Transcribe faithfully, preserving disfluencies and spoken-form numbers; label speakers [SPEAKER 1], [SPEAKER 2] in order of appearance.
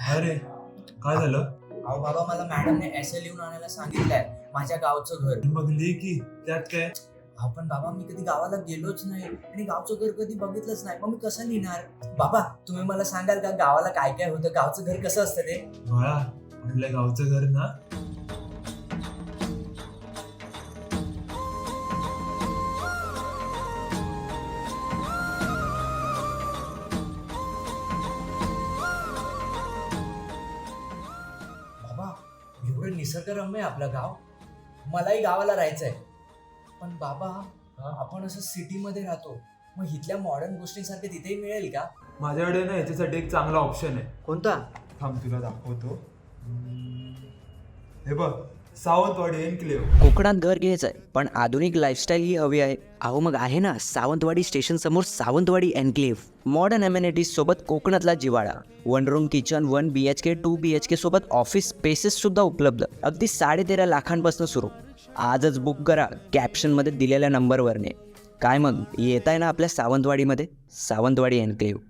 [SPEAKER 1] अरे काय झालं?
[SPEAKER 2] अहो बाबा, मला मॅडमने एसे लिहून आणायला सांगितलंय माझ्या गावचं घर.
[SPEAKER 1] मग लिही की, त्यात काय?
[SPEAKER 2] अहो पण बाबा, मी कधी गावाला गेलोच नाही आणि गावचं घर कधी बघितलंच नाही, मग मी कसं लिहिणार? बाबा, तुम्ही मला सांगाल का गावाला काय काय होतं, गावचं घर कसं असतं ते?
[SPEAKER 1] बाळा, आपल्या गावचं घर ना
[SPEAKER 2] बाबा, एवढं निसर्गरम्य आहे आपलं गाव. मलाही गावाला राहायचंय. पण बाबा, आपण असं सिटी मध्ये राहतो, मग इथल्या मॉडर्न गोष्टींसारखे तिथेही मिळेल का?
[SPEAKER 1] माझ्याकडे ना याच्यासाठी एक चांगला ऑप्शन आहे.
[SPEAKER 2] कोणता?
[SPEAKER 1] थांब तुला दाखवतो. हे बघ, सावंतवाडी एन्क्लेव.
[SPEAKER 3] कोकणात घर घ्यायचं आहे पण आधुनिक लाईफस्टाईल ही हवी आहे. अहो मग आहे ना सावंतवाडी स्टेशन समोर सावंतवाडी एन्क्लेव्ह. मॉडर्न अमेनिटीज सोबत कोकणातला जिवाळा. One room kitchen, one B H K two B H K सोबत ऑफिस स्पेसेस सुद्धा उपलब्ध. अगदी साडे तेरा लाखांपासून सुरू. आजच बुक करा कॅप्शनमध्ये दिलेल्या नंबरवरने. काय मग येत आहे ना आपल्या सावंतवाडीमध्ये? सावंतवाडी एन्क्लेव्ह.